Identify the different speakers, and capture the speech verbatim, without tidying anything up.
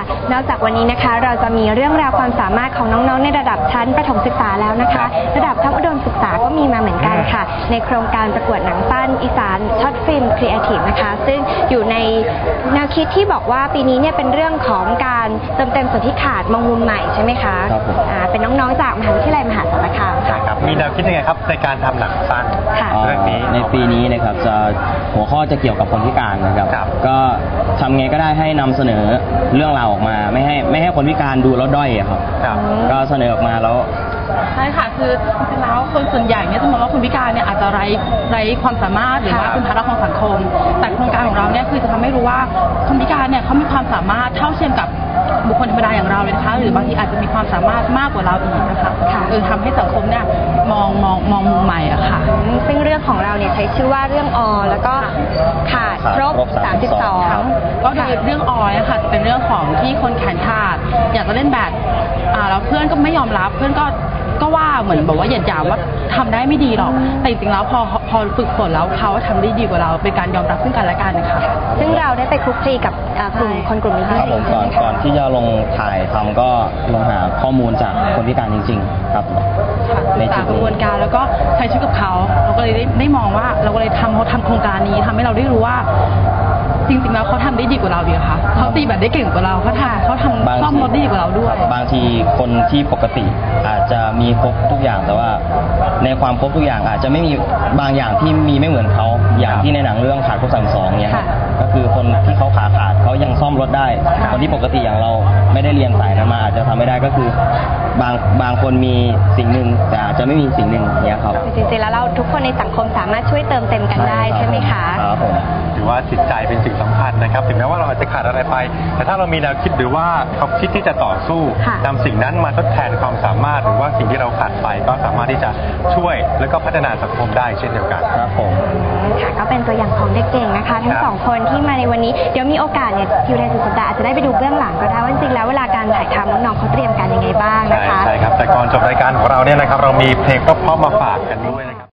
Speaker 1: นอกจากวันนี้นะคะเราจะมีเรื่องราวความสามารถของน้องๆในระดับชั้นประถมศึกษาแล้วนะคะระดับชั้นอุดมศึกษาก็มีมาเหมือนกันค่ะในโครงการประกวดหนังสั้นอีสานช็อตฟิล์มครีเอทีฟนะคะซึ่งอยู่ในแนวคิดที่บอกว่าปีนี้เนี่ยเป็นเรื่องของการเติมเต็มส่วนที่ขาดมองมุมใหม่ใช่ไหมคะครับเป็นน้องๆจากมหาวิทยาลัยมหาสารคามค่ะ
Speaker 2: ครับมีแนวคิดยังไงครับในการทำหนังสั้นเรื่องนี้
Speaker 3: ในปีนี้นะครับจะหัวข้อจะเกี่ยวกับคนพิการนะครับก็ทำไงก็ได้ให้นำเสนอเรื่องราวออกมาไม่ให้ไม่ให้คนพิการดูแล้วด้อยครับก็เสนอออกมาแล้ว
Speaker 4: ใช่ค่ะคือจริงๆแล้วคนส่วนใหญ่เนี่ยจะมองว่าคนพิการเนี่ยอาจจะไร้ไร้ความสามารถหรือว่าเป็นภาระของสังคมแต่โครงการของเราเนี่ยคือจะทำให้รู้ว่าคนพิการเนี่ยเขามีความสามารถเท่าเทียมกับบุคคลธรรมดาอย่างเราเลยนะคะหรือบางทีอาจจะมีความสามารถมากกว่าเราอีกนะคะเออทำให้สังคมเนี่ยมองมองมองมุมใหม่อะค่ะ
Speaker 1: ซึ่งเรื่องของเราเนี่ยใช้ชื่อว่าเรื่องอแล้วก็ขาดครบสามสิบสอง
Speaker 4: ก็คือเรื่องอนะคะเป็นเรื่องของที่คนแขนขาดอยากจะเล่นแบบอ่าแล้วเพื่อนก็ไม่ยอมรับเพื่อนก็ก็ว่าเหมือนบอกว่าหยาดหยามว่าทำได้ไม่ดีหรอกแต่จริงๆแล้วพอพอฝึกฝนแล้วเขาทำได้ดีกว่าเราเป็นการยอมรับซึ่งกันและกันนะคะ
Speaker 1: ซึ่งเราได้ไปคลุกคลีกับกลุ่มคนกลุ่มนี้
Speaker 3: ครับผมก่อนก่อนที่จะลงถ่ายทำก็ลงหาข้อมูลจากคนพิการจริงๆครับ
Speaker 4: ในจุดกระบวนการแล้วก็ใช้ชีวิตกับเขาเราก็เลยได้ได้มองว่าเราก็เลยทำเขาทำโครงการนี้ทำให้เราได้รู้ว่าจริงๆแล้วเขาทำได้ดีกว่าเราดีค่ะเขาตีแบบได้เก่งกว่าเราเขาทำเขาทำซ่อมรถได้ดีกว่าเราด้วย
Speaker 3: บางทีคนที่ปกติอาจจะมีครบทุกอย่างแต่ว่าในความครบทุกอย่างอาจจะไม่มีบางอย่างที่มีไม่เหมือนเขาอย่างที่ในหนังเรื่องขาดครบสามสองเนี่ยก็คือคนที่เขาขาขาดเขายังซ่อมรถได้คนที่ปกติอย่างเราไม่ได้เรียนสายนั้นมาอาจจะทำไม่ได้ก็คือบางบางคนมีสิ่งหนึ่งแต่อาจจะไม่มีสิ่งหนึ่งเนี่ยครับ
Speaker 1: จริงๆแล้วเราทุกคนในสังคมสามารถช่วยเติมเต็มกันได้ใช่ไหมคะ
Speaker 3: ครับผม
Speaker 2: ถือว่าจิตใจเป็นสิ่งสำคัญนะครับถึงแม้ว่าเราอาจจะขาดอะไรไปแต่ถ้าเรามีแนวคิดหรือว่าเขาคิดที่จะต่อสู้นำสิ่งนั้นมาทดแทนความสามารถหรือว่าสิ่งที่เราขาดไปก็สามารถที่จะช่วยแล้วก็พัฒนาสังคมได้เช่นเดียวกัน
Speaker 3: ครับผม
Speaker 1: ค่ะก็เป็นตัวอย่างของเด็กเก่งนะคะทั้งสองคนที่มาในวันนี้เดี๋ยวมีโอกาสเนี่ยอยู่ในสุดสัปดาห์อาจจะได้ไปดูเบื้องหลังก็ได้ว่าจริงๆแล้วเวลาการถ่ายทำน้องๆเขาเตรียมการยังไงบ้างนะคะ
Speaker 2: ใช่ครับแต่ก่อนจบรายการของเราเนี่ยนะครับเรามีเพลงเพราะๆมาฝากกันด้วยนะครับ